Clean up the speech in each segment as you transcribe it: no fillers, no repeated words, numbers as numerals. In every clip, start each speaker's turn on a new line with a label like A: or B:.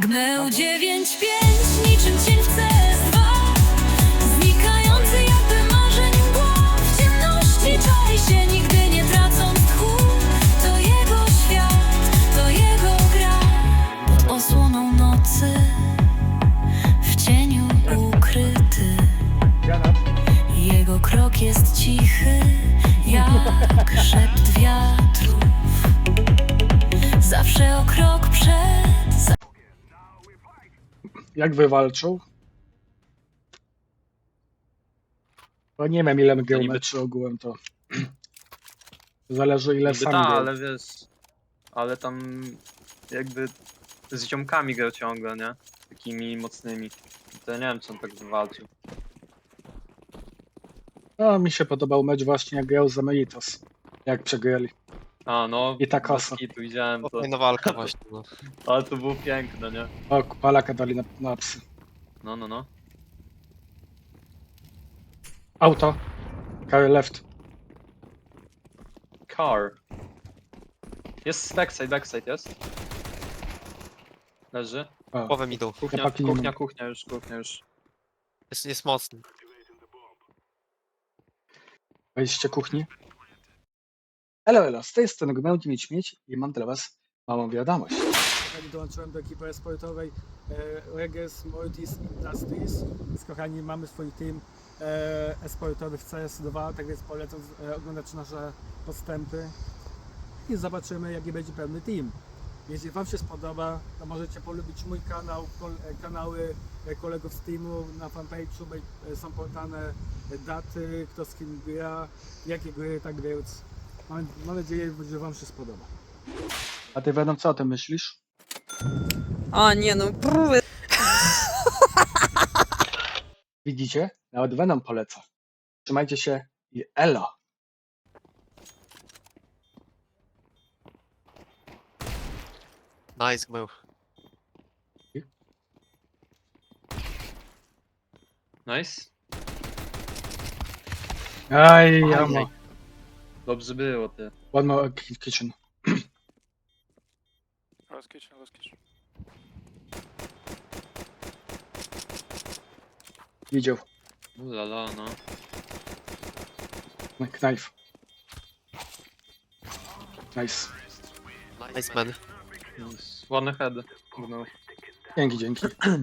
A: Gnę 9-5 niczym cień w CS2, znikający jakby marzeń mgła. W ciemności czai się, nigdy nie tracąc tchu. To jego świat, to jego gra. Pod osłoną nocy, w cieniu ukryty. Jego krok jest cichy, jak szept wiatrów. Zawsze o krok przed.
B: Jak wywalczył? Bo nie wiem ile geometrii ogółem to. Zależy ile
C: Niby
B: sam
C: ta,
B: grał.
C: ale wiesz, ale tam jakby z ziomkami grał ciągle, nie? Takimi mocnymi. To ja nie wiem, czy on tak wywalczył.
B: No mi się podobał mecz właśnie jak grał z Emeritus. Jak przegrali.
C: A no,
B: I ta
C: bez
B: kasa.
C: kitu widziałem to.
D: Fajna walka właśnie, no.
C: Ale to było piękne, nie?
B: O, palaka dali na psy.
C: No.
B: Auto. Carry left.
C: Car. Jest backside jest. Leży.
B: O,
D: Głowę mi idą.
C: Kuchnia,
B: paki nie
C: kuchnia,
B: mam.
C: kuchnia już.
D: Jest mocny.
B: wejście kuchni. Elo, z tej strony Gmełdzi Mieć i mam dla was małą wiadomość.
E: Dołączyłem do ekipy e-sportowej Regis Mortis Industries. Więc kochani, mamy swój team e-sportowy w CS2, tak więc polecam oglądać nasze postępy i zobaczymy jaki będzie pełny team. Jeśli wam się spodoba, to możecie polubić mój kanał, kanały kolegów z teamu. Na fanpage'u są podane daty, kto z kim gra, jakie gry, tak więc mam nadzieję, że wam się spodoba.
B: A ty Venom, co o tym myślisz?
F: A nie no, próby.
B: Widzicie? Nawet Venom poleca. Trzymajcie się i elo!
D: Nice, był.
C: Nice.
B: Aj, jamo.
C: Dobrze było, ty.
B: One more kitchen.
G: Last kitchen.
B: Widział.
C: Ulala, no.
B: Knife. Nice.
D: Nice man.
C: Ładny head. No.
B: Dzięki.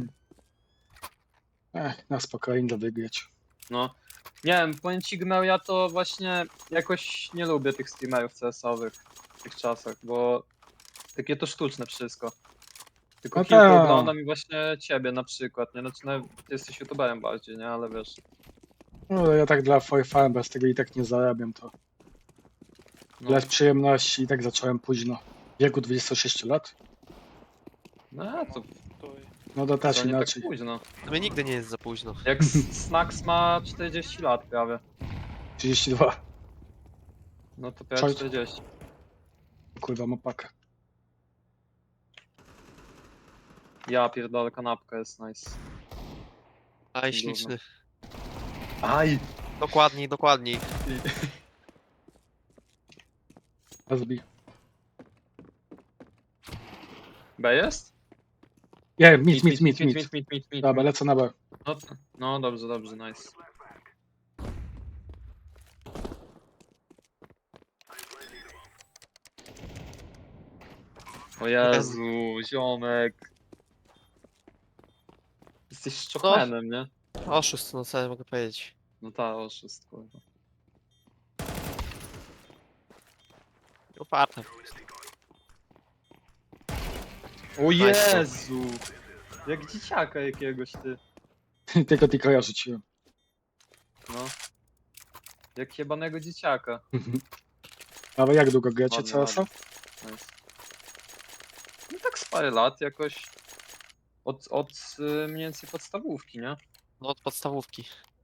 B: Na spokojnie do wygrać.
C: No. Nie wiem, powiem ci Gnał, ja to właśnie jakoś nie lubię tych streamerów CS-owych w tych czasach, bo takie to sztuczne wszystko. Tylko
B: No
C: kilku
B: tak.
C: oglądam i właśnie ciebie na przykład, nie? Znaczy, no, ty jesteś youtuberem bardziej, nie? Ale wiesz,
B: No ja tak dla fun, bez tego i tak nie zarabiam to.
C: no,
B: Dla przyjemności i tak zacząłem późno. W wieku 26 lat?
C: no to
B: No to też
C: nie tak
B: inaczej.
C: późno.
D: To mnie nigdy nie jest za późno.
C: Jak Snax ma 40 lat prawie,
B: 32.
C: no to prawie
B: Czaj.
C: 40.
B: Kurwa, ma pakę.
C: Ja pierdolę, kanapka jest nice.
D: Aj, śliczny.
C: Aj!
D: Dokładniej.
B: Rozbij.
C: B jest?
B: Nie, mit.
C: Mit.
B: Dobra, lecę na B.
C: No dobrze, nice. O Jezu, ziomek. Jesteś szczokmenem, nie?
D: Oszust, no co ja mogę powiedzieć.
C: No ta, oszust, kurwa.
D: Uparty.
C: O Jezu! Jak dzieciaka jakiegoś, ty.
B: Tylko ja rzuciłem.
C: No. Jak jebanego dzieciaka.
B: Ale jak długo gracie
C: Ładnie,
B: CS-a?
C: Nice. No tak z parę lat jakoś. Od mniej więcej podstawówki, nie?
D: No od podstawówki.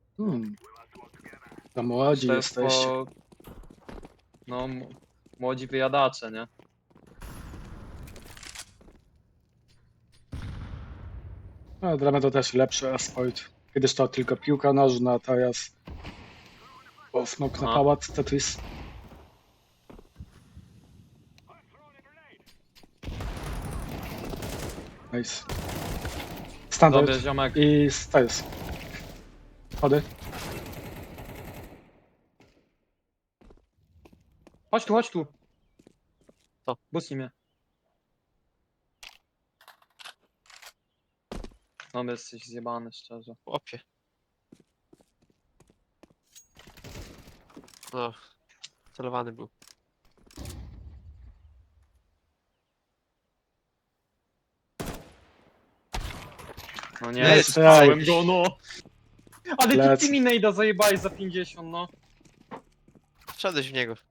B: To młodzi
C: To jest
B: jesteście.
C: No, młodzi wyjadacze, nie?
B: No, dla mnie to też lepszy e-sport. Kiedyś to tylko piłka nożna, teraz smok na
C: Aha.
B: pałac, Tetris. Nice. Standard
C: Dobry ziomek.
B: i stairs. Chody.
C: Chodź tu, chodź tu.
D: Co?
C: Busnij mnie. No, jesteś zjebany, szczerze.
D: Chłopie. No. Celowany był.
C: No nie,
D: Jest,
C: strzelałem go, no. Ale
B: Lec.
C: ty mi nejda zajebałeś za 50, no.
D: Wszedłeś w niego.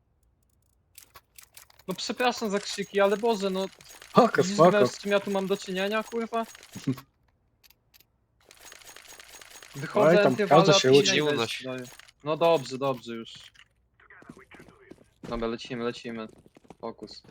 C: No przepraszam za krzyki, ale Boże, no.
B: Spoko,
C: Widzisz,
B: spoko.
C: z czym ja tu mam do czynienia, kurwa? Wychodzę,
B: Oj, tam
C: antywalę,
B: każdy
C: a
B: się
C: później
D: uczy. Nie
C: weź
D: unoś.
C: daję. No dobrze, dobrze już. Dobra, lecimy, lecimy. Fokus.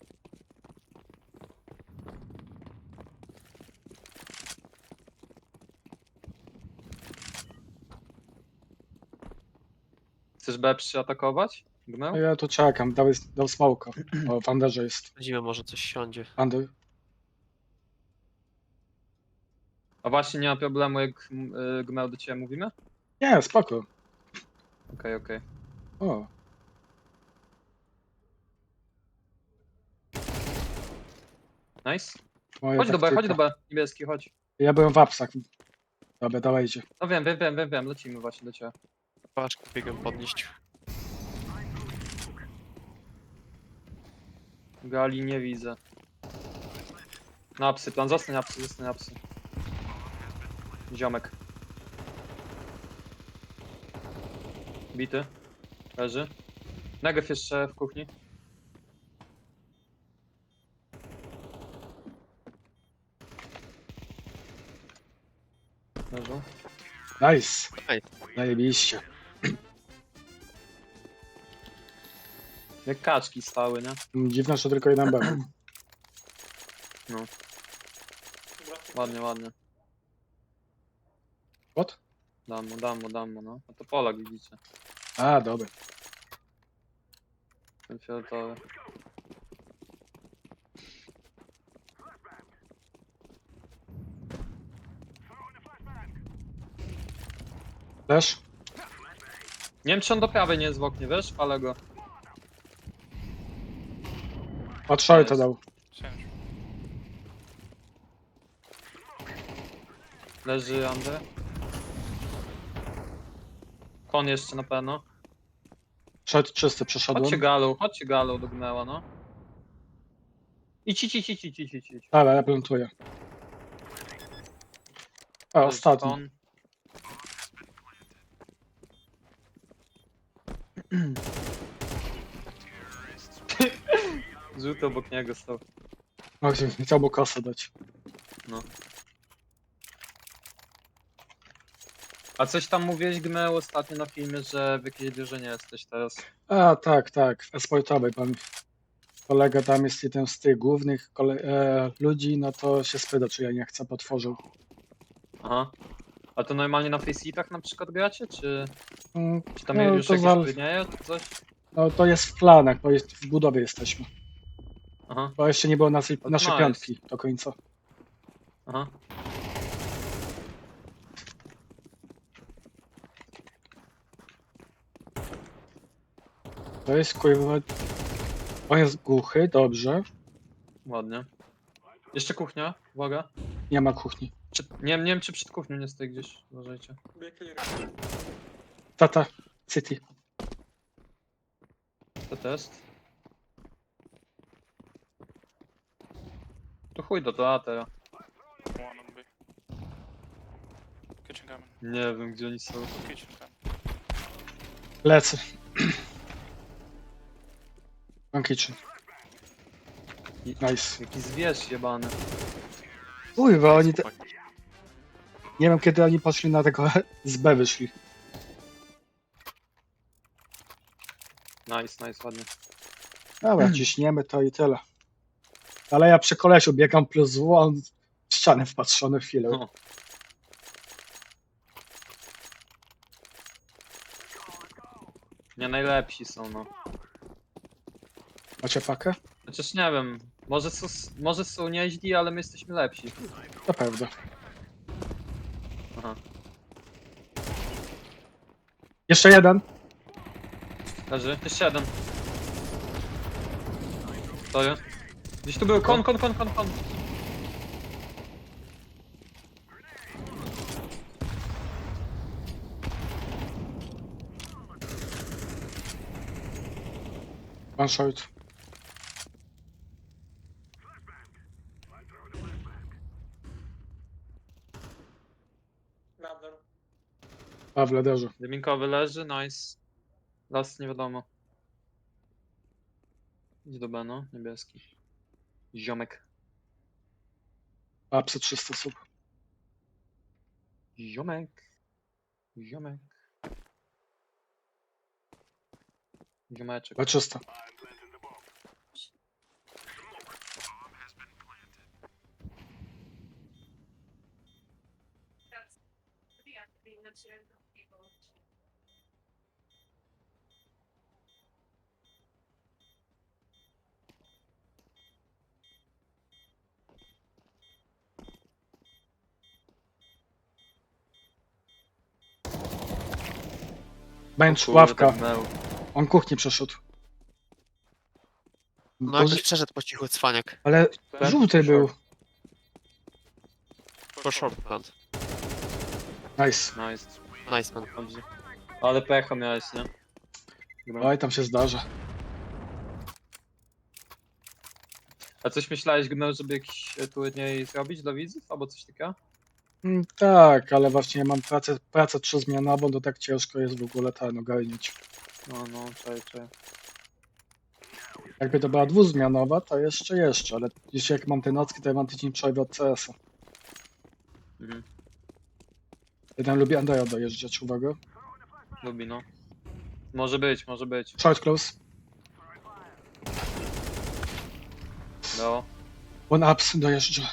C: Chcesz B przyatakować? Gnał?
B: No ja tu czekam, dał smoka. O, w Underze jest.
D: Chodzimy, może coś siądzie.
B: Under.
C: A właśnie nie ma problemu, jak Gmel do ciebie mówimy?
B: Nie, spoko.
C: Okej, okej.
B: O,
C: Nice.
B: moja
C: Chodź do B,
B: taktyka.
C: chodź do B. Niebieski, chodź.
B: Ja byłem w apsach. Dobra, dawajcie.
C: No wiem, lecimy właśnie do ciebie.
D: Paczkę biegam podnieść.
C: Gali nie widzę. Na apsy, plan, zostań apsy. Ziomek. Bity. Leży. Negev jeszcze w kuchni. Leżą.
B: Nice.
D: Ej.
B: Zajebiście.
C: Jak kaczki stały, nie?
B: Dziwne, że tylko jeden był.
C: Ładnie, ładnie.
B: What?
C: Dam mu, no. A to Polak widzicie.
B: A, dobra.
C: Ten fioletowy.
B: Też?
C: Nie wiem, czy on do prawej nie jest w oknie, wiesz? Ale go.
B: Od shorta dał.
C: Leży Andre. Kon jeszcze na pewno.
B: Short czysty, przeszedłem.
C: Chodźcie galą do Gnęła, no. Idź.
B: Dobra, ja plantuję. A, ostatni.
C: Kon. Żółty obok niego stał.
B: No, chciał mu kosę dać.
C: A coś tam mówiłeś, Gnęł, ostatnio na filmie, że w jakiejś drużynie jesteś teraz.
B: A, tak, w esportowej pan. Kolega tam jest jeden z tych głównych ludzi, no to się spyta, czy ja nie chcę, potworzył.
C: Aha. A to normalnie na faceitach na przykład gracie, czy tam
B: No,
C: już
B: to
C: jakieś
B: zal-
C: turnieje, czy coś?
B: No to jest w planach, bo jest w budowie jesteśmy.
C: Aha,
B: Bo jeszcze nie było naszej
C: nice.
B: piątki do końca.
C: aha.
B: To jest kurwa... On jest głuchy, dobrze.
C: Ładnie. Jeszcze kuchnia, uwaga.
B: Nie ma kuchni.
C: Nie wiem, czy przed kuchnią nie stoi gdzieś, uważajcie.
B: Tata, City.
C: To test. To chuj do A teraz.
G: One on B. Kitchen coming.
C: Nie wiem, gdzie oni są.
G: Kitchen coming.
B: Lecę. One kitchen. Nice.
C: Jaki zwierz jebany.
B: Kurwa, oni te...
D: Chłopaki.
B: Nie wiem, kiedy oni poszli na tego z B wyszli.
C: Nice, ładnie.
B: Dobra, ciśniemy to i tyle. Ale ja przy kolesiu biegam plus W, on w ścianę wpatrzony w chwilę.
C: No. Nie najlepsi są, no.
B: Macie pakę?
C: Chociaż nie wiem, może są nieźli, ale my jesteśmy lepsi.
B: To prawda.
C: Aha.
B: Jeszcze jeden.
C: Leży. Jeszcze jeden. Stoję. Gdzieś tu był kon.
B: One short. A, w lederze.
C: Dyminkowy leży, nice. Las nie wiadomo. Idź do B, no, niebieski. Ziomek.
B: Apsy 300 sub.
C: Ziomek. Ziomek. Ziomeczek.
B: B 300. Bench,
C: O kurde,
B: ławka.
C: tak męł.
B: On kuchni przeszedł.
D: No jakoś przeszedł po cichu cwaniak.
B: Ale żółty był.
D: Po short plant.
B: Nice.
C: Nice.
D: Nice man.
C: Dobrze. Ale pecha miałeś, nie?
B: Oj, tam się zdarza.
C: A coś myślałeś, Gnał, żeby jakiś turniej zrobić dla widzów, albo coś takiego?
B: Tak, ale właśnie mam pracę 3-zmianową, to tak ciężko jest w ogóle ten ogarnić.
C: No, czekaj.
B: Jakby to była 2-zmianowa, to jeszcze, ale jeśli jak mam te nocki, to ja mam tydzień przerwy od CS-a.
C: Mhm.
B: Jeden lubi Andera dojeżdżać, uwaga.
C: Lubi, no. Może być.
B: Short close.
C: No.
B: One ups dojeżdża.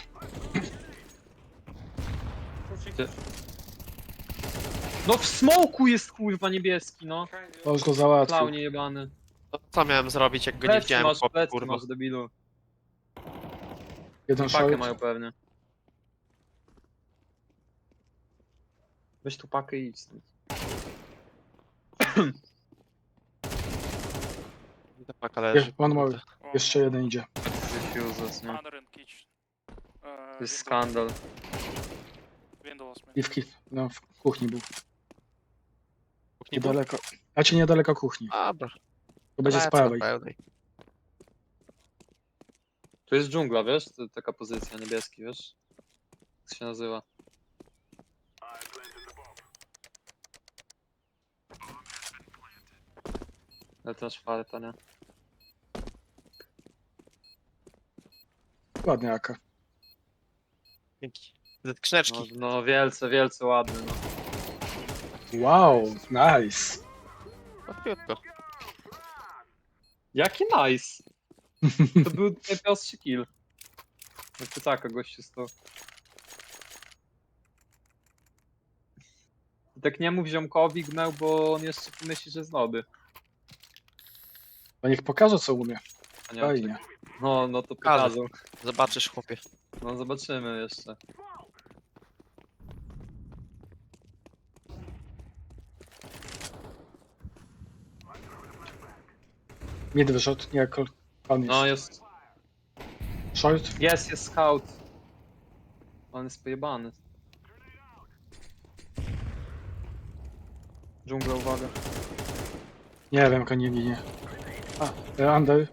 C: No w smoku jest kurwa niebieski, no.
B: To już go załatwił.
C: Klaunie jebany.
D: To co miałem zrobić, jak go nie
C: Plecy
D: widziałem,
C: masz,
D: chłop,
C: plecy
D: kurwa.
C: masz, debilu.
B: Jeden
C: Pakę
B: short.
C: mają pewnie. Weź tu pakę i idź stąd.
D: Ta paka leży.
B: One more.
D: kurde.
B: Jeszcze jeden idzie.
C: Jesteś useless, nie?
G: Under in kitchen.
C: To jest skandal.
G: Windows man.
B: I no, w kuchni był.
D: Nie było?
B: Niedaleko. Znaczy niedaleko kuchni.
D: Dobra.
B: To będzie z
D: lecę na
B: prawej.
D: pełnej.
C: Tu jest dżungla, wiesz? To taka pozycja, niebieski, wiesz? Jak się nazywa? Ale też farta, nie?
B: Ładnie AK.
D: Dzięki. Skrzyneczki.
C: No wielce ładny, no.
B: Wow, nice.
D: Łatwiutko.
C: Jaki nice! To był najprostszy kill. No pytaka gościu stał. I tak nie mów ziomkowi Gnał, bo on jeszcze pomyśli, że jest noby.
B: To niech pokaże co umie.
C: A nie,
B: Fajnie.
C: no to
D: Pokażę.
C: pokażą.
D: Zobaczysz, chłopie.
C: No zobaczymy jeszcze.
B: Mid wyszedł, nie, pan jest.
C: No jest.
B: Short.
C: Jest scout. On jest pojebany. Dżungla, uwaga.
B: Nie wiem, jak on nie ginie. Under.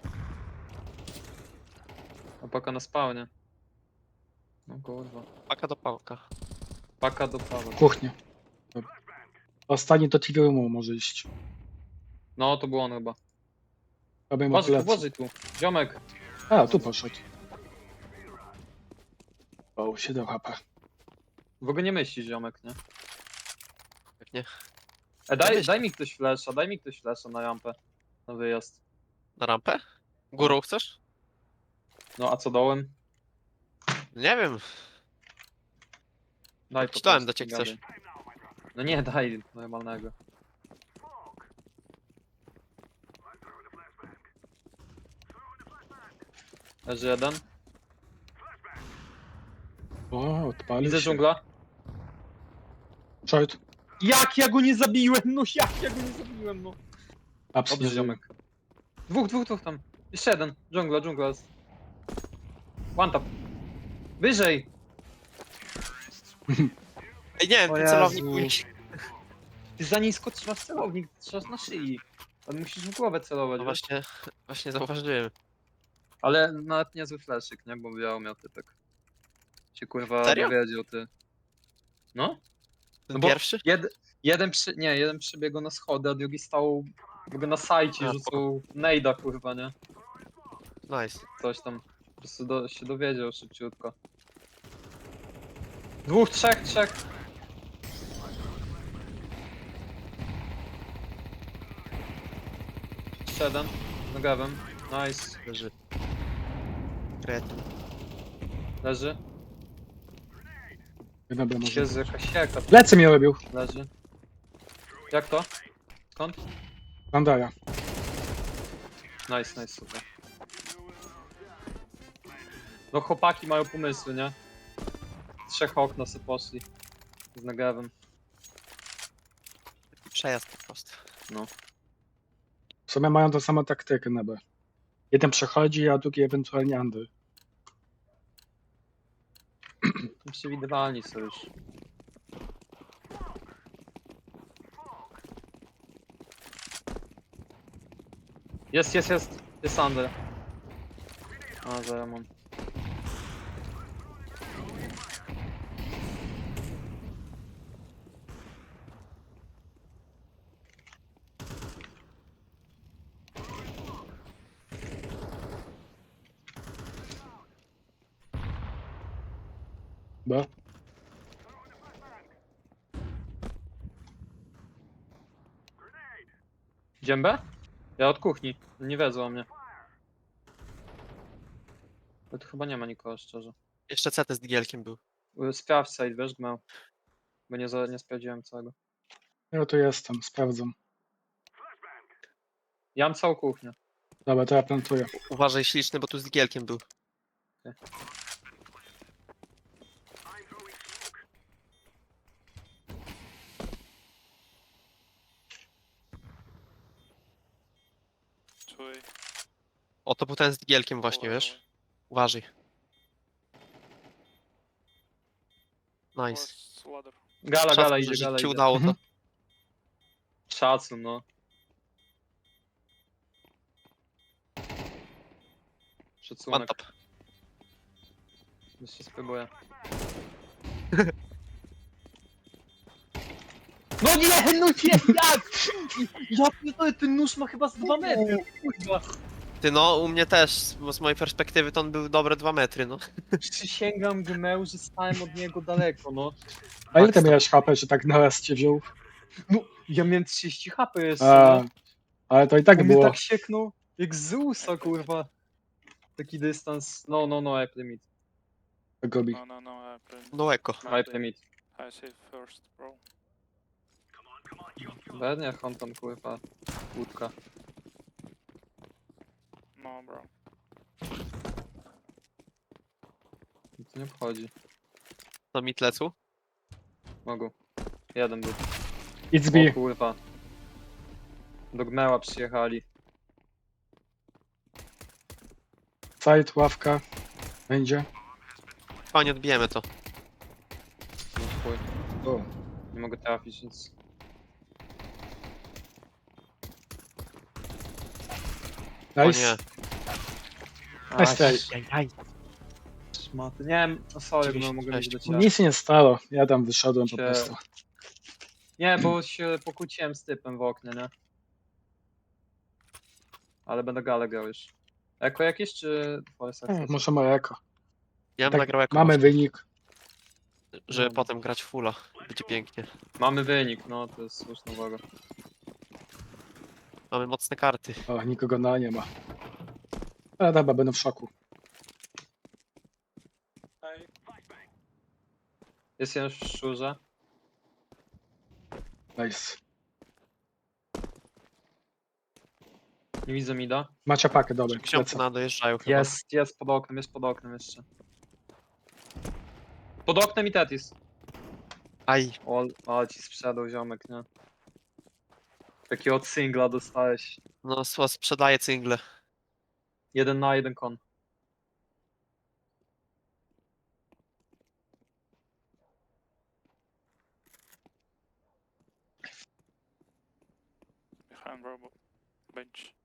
C: Opaka na spawnie. No kurwa.
D: Paka do pałka.
C: Paka do pawa.
B: Kuchnia. Dobra. Ostatni do TV Roomu może iść.
C: No to był on chyba.
B: Robię mu plecy.
C: Uważaj tu. Ziomek.
B: A, tu poszedł. O, 7 HP.
C: W ogóle nie myślisz, ziomek, nie?
D: Pewnie.
C: Daj mi ktoś flasha na rampę. Na wyjazd.
D: Na rampę? Górą chcesz?
C: No a co dołem?
D: Nie wiem.
C: Daj po
D: Czytałem
C: prostu,
D: do ciebie
C: gadaj.
D: coś.
C: No nie, daj normalnego. Leży jeden.
B: O, odpalił
C: Widzę
B: się.
C: dżungla.
B: Short.
C: Jak ja go nie zabiłem? No jak ja go nie zabiłem, no.
B: Ups,
C: Dobrze,
B: nie żyje.
C: ziomek. Dwóch tam. Jeszcze jeden. Dżungla jest. One tap. Wyżej.
D: Ej, nie,
C: O
D: ten celownik
C: Jezu.
D: mój.
C: Ty za nisko trzymasz celownik, trzymasz na szyi. Ale musisz w głowę celować,
D: No
C: wiesz?
D: właśnie zauważyłem.
C: Ale nawet niezły flaszyk, nie? Bo biało miał typek. Się kurwa
D: Serio?
C: dowiedział, ty. No?
D: Ten
C: No bo
D: pierwszy?
C: jeden przebiegł na schody, a drugi stał jakby na sajcie,
D: A,
C: rzucał nejda, kurwa, nie?
D: Nice.
C: Coś tam. Po prostu się dowiedział szybciutko. Dwóch, trzech. Jeszcze jeden. Nogawem. Nice.
D: Leży. Kretyn.
C: Leży.
B: Dobra, może.
C: Jezu, jakaś sieka.
B: Plecy mnie robił.
C: Leży. Jak to? Skąd?
B: Bandara.
C: Nice, super. No chłopaki mają pomysły, nie? Trzech okna sobie poszli. Z nagawem.
D: Przejazd po prostu.
B: W sumie mają tą samą taktykę na B. Jeden przechodzi, a drugi ewentualnie under.
C: Przewidywalni są już. Jest. Jest under. A, zaraz mam.
B: B.
C: Dziębę? Ja od kuchni. Nie wiedzą o mnie. Ale tu chyba nie ma nikogo, szczerze.
D: Jeszcze CT z digielkiem był.
C: Sprawdź side, wiesz, gmał. Bo nie sprawdziłem całego.
B: Ja tu jestem, sprawdzam.
C: Ja mam całą kuchnię.
B: Dobra, to ja plantuję.
D: Uważaj śliczny, bo tu z digielkiem był.
G: Czuj.
D: O, to był ten z digielkiem właśnie, wiesz? Uważaj. Nice.
G: Ladder.
C: Gala
D: Szacun,
C: idzie,
D: że
C: gala
D: ci
C: idzie.
D: udało to.
B: Mhm.
C: Szacun, no.
D: One
C: Szacunek.
D: tap.
C: Jeszcze spróbuję. No nie, jak? Ja pierdolę, ten nóż ma chyba z 2 metry, kurwa.
D: Ty no, u mnie też, bo z mojej perspektywy to on był dobre 2 metry, no.
C: Przysięgam gmeu, że stałem od niego daleko, no.
B: A ile ty miałeś HP, że tak na raz cię wziął?
C: No, ja miałem 30 HP jeszcze,
B: A,
C: no.
B: ale to i tak
C: On mnie
B: było.
C: tak sieknął, jak z USA, kurwa. Taki dystans, no, I play mid.
B: Gobi.
G: No, I play.
D: No eko.
C: I play mid.
G: I say first, bro.
C: Pewnie, Honton, kurwa. Łódka.
G: No, bro.
C: Nic nie obchodzi.
D: To mi tlecu.
C: Mogą. Jeden był.
B: It's B.
C: O kurwa. Do Gmeła przyjechali.
B: Side, ławka. Będzie.
D: Fajnie odbijemy to.
C: No chuj.
B: O.
C: Nie mogę trafić, więc...
D: O
B: Nice.
D: nie.
B: Nice try.
C: Szmaty. Nie wiem, no sorry, no mogę mieć do ciebie.
B: Nic się nie stało. Ja tam wyszedłem po
C: Się-
B: prostu.
C: Nie, bo się pokłóciłem z typem w oknie, nie? Ale będę galę grał już. Eko jakieś, czy Forest Access?
B: Może moje eko.
D: Ja bym
B: Tak,
D: nagrał jako
B: mamy wynik.
D: żeby potem grać fulla. Będzie pięknie.
C: Mamy wynik, no to jest słuszna uwaga.
D: Mamy mocne karty.
B: O, nikogo na nie ma. Ale dobra, będę w szoku.
C: Jest jeden w szczurze.
B: Nice.
C: Nie widzę mida.
B: Macie pakę, dobra.
D: Książki
B: lecę.
D: na dojeżdżają chyba.
C: Jest pod oknem jeszcze. Pod oknem i Tetis.
D: Aj,
C: O, ci sprzedał ziomek, nie? Takiego od singla dostałeś.
D: no sprzedaję cyngle.
C: 1 na 1 kon.
G: Behind robot. Bench.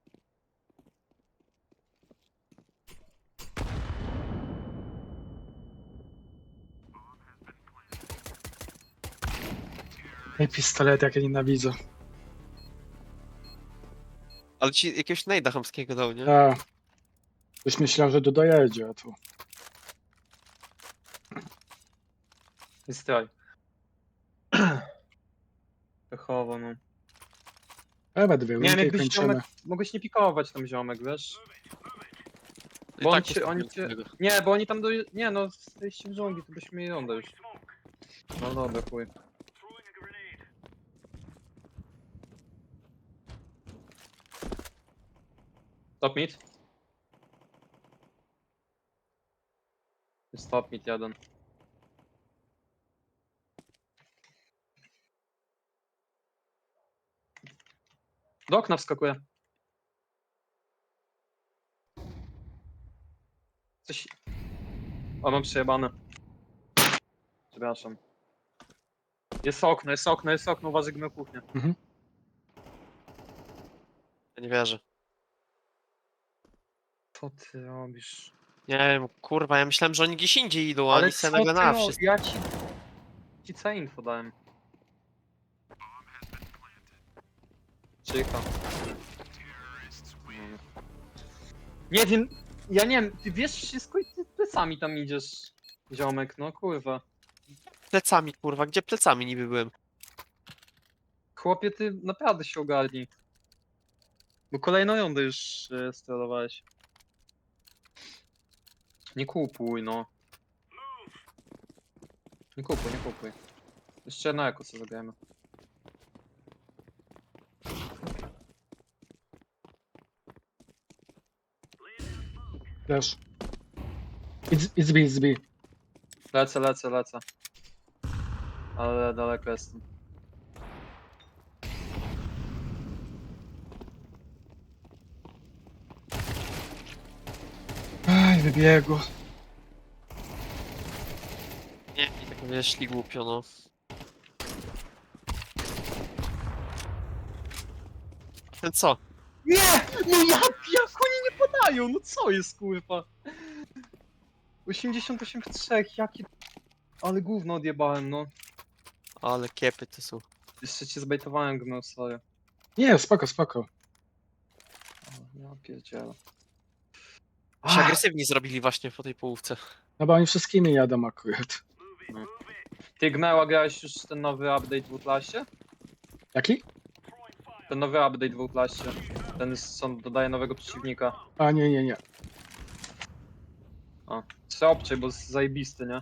B: I pistolet, jak ja nienawidzę.
D: Ale ci jakiegoś najda chamskiego dał, nie?
B: A, już myślałem, że tu dojedzie, a tu.
C: I straj. Pechowo, no.
B: Chyba dwie
C: Nie wiem,
B: rundy i
C: jakbyś
B: kończymy.
C: ziomek... Mogłeś nie pikować tam ziomek, wiesz?
D: I
C: Bo
D: tak
C: oni cię...
D: tego.
C: Nie, bo oni tam do... Nie no, zejście w dżungli, to byśmy mieli rondę już. No dobra, chuj. Top mid. Jest top mid jeden. Do okna wskakuje. Coś... O, mam przejebane. Przepraszam. Jest okno, jest okno, jest okno, uważaj na kuchnię.
D: Ja nie wierzę.
C: Co ty robisz?
D: Nie wiem, kurwa, ja myślałem, że oni gdzieś indziej idą, a
C: Ale
D: oni
C: co
D: se
C: ty
D: nagle na
C: robisz?
D: wszystko.
C: Ja ci całe info dałem. Czyka. Nie wiem, ja nie wiem, ty wiesz wszystko i ty plecami tam idziesz, ziomek, no kurwa.
D: Plecami, kurwa, gdzie plecami niby byłem?
C: Chłopie, ty naprawdę się ogarnij. Bo kolejną rundę już sterowałeś. Nie kupuj, no. Nie kupuj, nie kupuj. Jeszcze na eko sobie zagrajmy.
B: Flash. It's B, it's B.
C: Lecę, lecę, lecę. Ale daleko jestem.
B: Aj, wybiegło.
D: Nie, i tak wyszli głupio, no. Ten co?
C: Nie! No jak oni nie podają? No co jest kurwa? 88 w 3, jakie... Ale gówno odjebałem, no.
D: Ale kiepy to są.
C: Jeszcze cię zbejtowałem, gno, sorry.
B: Nie, spoko, spoko.
C: O, ja pierdzielę.
D: Się agresywni zrobili właśnie po tej połówce.
B: No bo oni wszystkimi jadą akurat.
C: Ty Gmeła grałeś już ten nowy update w Outlaście?
B: Jaki?
C: Ten nowy update w Outlaście. Ten co dodaje nowego przeciwnika.
B: A nie, nie, nie.
C: O, trzeba obczaj, bo jest zajebisty, nie?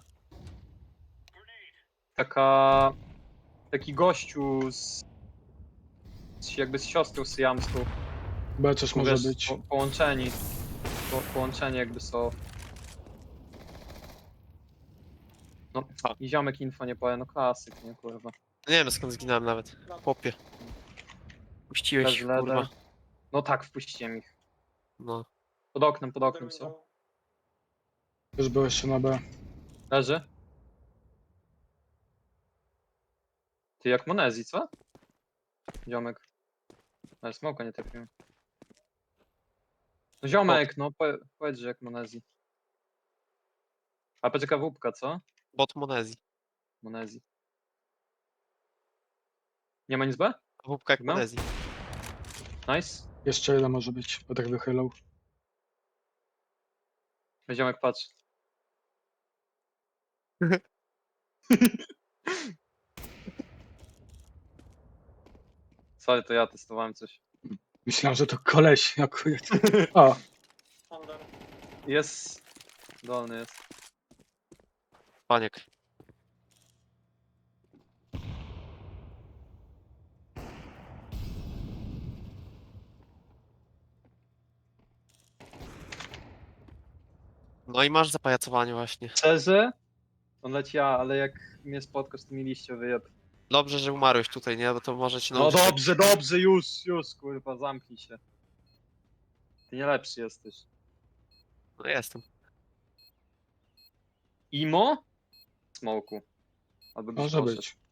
C: Taki gościu jakby z siostrą syjamską.
B: Chyba coś może
C: Wiesz,
B: być.
C: Połączeni. Połączeni jakby są. No, i ziomek info nie powie, no klasyk, nie kurwa.
D: Nie wiem skąd zginąłem nawet. Chłopie. Puściłeś,
C: Bez leder.
D: kurwa.
C: No tak, wpuściłem ich.
D: No.
C: Pod oknem są.
B: Już byłeś się na B.
C: Leży. Ty jak Monezji, co? Ziomek. Ale smoka nie trafiłem. No ziomek, no powiedz, że jak Monezji. A poczeka wupka, co?
D: Bot Monezji.
C: Monezji. Nie ma nic B?
D: Wupka jak
C: No.
D: Monezji.
C: Nice.
B: Jeszcze jeden może być, bo tak wychylał.
C: Ziomek, patrz. Sorry, to ja testowałem coś.
B: Myślałem, że to koleś akurat. O,
C: Jest. Dolny jest.
D: Paniek. No i masz zapajacowanie właśnie.
C: Szczerze, On leci A, ale jak mnie spotkasz, to mi liście wyjeb.
D: Dobrze, że umarłeś tutaj, nie? Bo to może ci
C: No
D: nauczyć.
C: dobrze, dobrze, już, kurwa, zamknij się. Ty nie lepszy jesteś.
D: No jestem.
C: Imo? Smoku. Albo gdzieś
B: Może
C: poszedł.
B: być.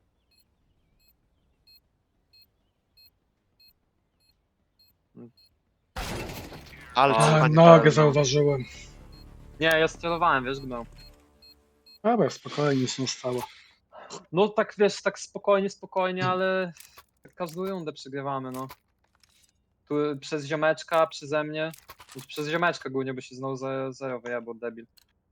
D: Ale
C: A,
B: Ale
D: cofanie.
B: nogę
C: no.
B: zauważyłem.
C: Nie, ja sterowałem, wiesz, gnał.
B: Dobra, spokojnie, nic nie stało.
C: No tak, wiesz, tak spokojnie, ale tak każdą rundę przegrywamy, no. Tu przez ziomeczka, przeze mnie. Przez ziomeczka głównie, bo się znowu zero wyjebał, debil.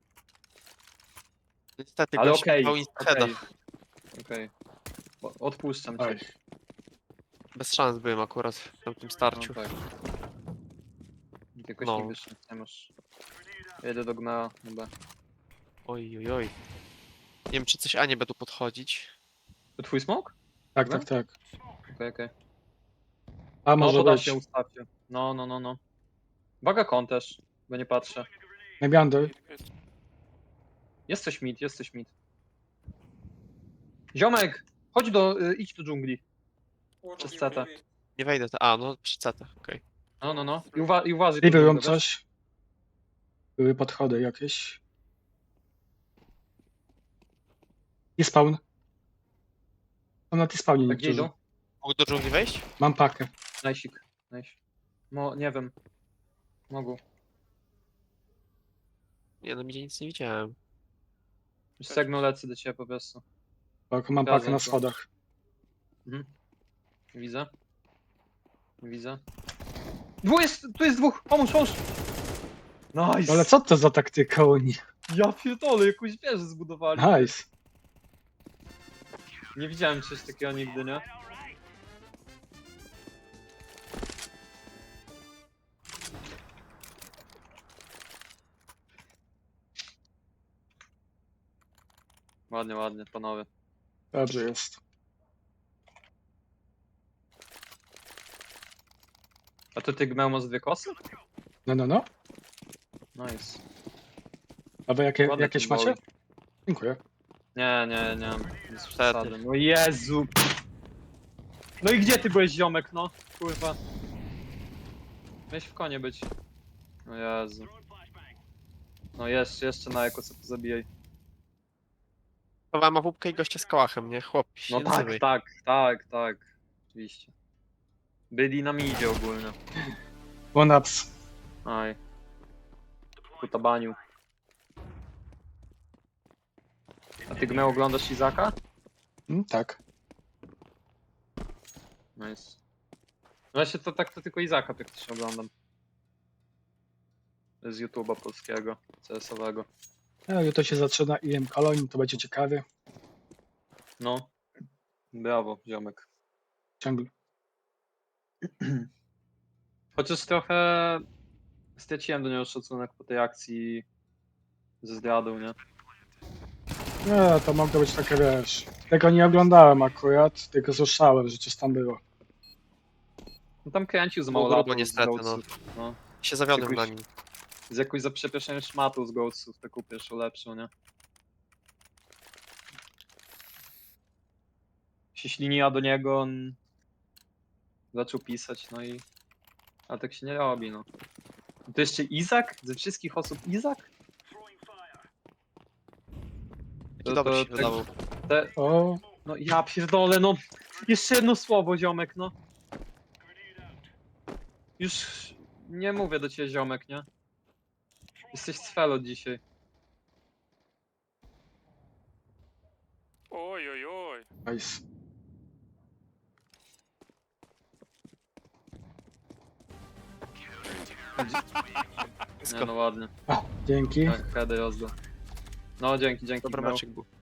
D: Niestety,
C: Ale
D: gość
C: okej,
D: miał instada.
C: okej. Odpuszczam cię.
B: Oj.
D: Bez szans byłem akurat w tamtym
C: No,
D: starciu.
C: tak. Jakoś
D: No.
C: nigdy się nie masz. Jedę do gna, chyba.
D: Oj, oj, oj. Nie wiem, czy coś A nie będą podchodzić.
C: To twój smok?
B: Tak,
C: Dobra?
B: tak, tak.
C: Okej.
B: A
C: No
B: może
C: to da
B: być.
C: się, ustawcie. No. Uwaga, kon też, bo nie patrzę.
B: Nebiander.
C: Jesteś mid. Ziomek! Chodź idź do dżungli. Przez CT.
D: Nie wejdę. A, no przy CT, okej.
C: No. I uważaj.
B: Libią
C: dżunglę, wiesz?
B: coś. Były podchody jakieś. I spawn. Są na T-spawnie
C: Tak gdzie
B: niektórzy.
C: idą?
D: Mógł do dżungli wejść?
B: Mam pakę.
C: Najsik. Nie wiem. Mogą.
D: Nie, no nigdzie nic nie widziałem.
C: Już segną lecę do ciebie po prostu.
B: Tak, mam
C: Zgadzam
B: pakę na
C: się.
B: schodach.
C: Widzę. Tu jest dwóch! Pomóż! Nice!
B: Ale co to za taktyka oni?
C: Ja pierdolę, jakąś wieżę zbudowali.
B: Nice.
C: Nie widziałem czegoś takiego nigdy, nie? Ładnie, panowie.
B: Dobrze jest.
C: A to ty Gmeo masz 2 kosy?
B: No.
C: Nice.
B: A wy
C: Ładny
B: jakieś
C: ten
B: macie?
C: bowling.
B: Dziękuję.
C: Nie. Bez przesady. No Jezu! No i gdzie ty byłeś, ziomek, no? Kurwa. Miałeś w konie być. No Jezu. No jeszcze na eko co zabijaj.
D: Chowałem łupkę i gościa z kołachem, nie? Chłop się
C: No
D: nie
C: tak,
D: nazywaj.
C: tak. Oczywiście. Byli na midzie ogólnie.
B: One-ups.
C: Aj. Kutabaniu. A ty Gmeo oglądasz Izaka?
B: Tak.
C: Nice. Właśnie to tylko Izaka praktycznie oglądam. Z YouTube'a polskiego, CS-owego.
B: No, jutro się zaczyna IM Cologne, to będzie ciekawe.
C: No. Brawo, ziomek.
B: Ciągle.
C: Chociaż trochę straciłem do niego szacunek po tej akcji ze zdradą, nie?
B: Nie, to mogło być takie, wiesz. Tego nie oglądałem akurat, tylko słyszałem, że coś tam było.
C: No tam kręcił za
D: Było
C: mało
D: grubo
C: lat
D: niestety, no. Się zawiodłem na nim.
C: Z jakąś za przeproszeniem szmatą z Ghostsów, taką pierwszą lepszą, nie? Się śliniła do niego, on zaczął pisać, no i... Ale tak się nie robi, no. To jeszcze Izak? Ze wszystkich osób Izak?
D: Taki dobry się
C: tak-
D: wydawał.
B: O,
C: No ja pierdolę, no. Jeszcze jedno słowo, ziomek, no. Już nie mówię do ciebie, ziomek, nie? Jesteś cfelo dzisiaj.
G: Oj.
B: nice.
C: Nie, no ładnie.
B: Dzięki.
C: Tak, kiedy rozdał. No dzięki,
D: Dobry
C: Gmeo.
D: meczek był.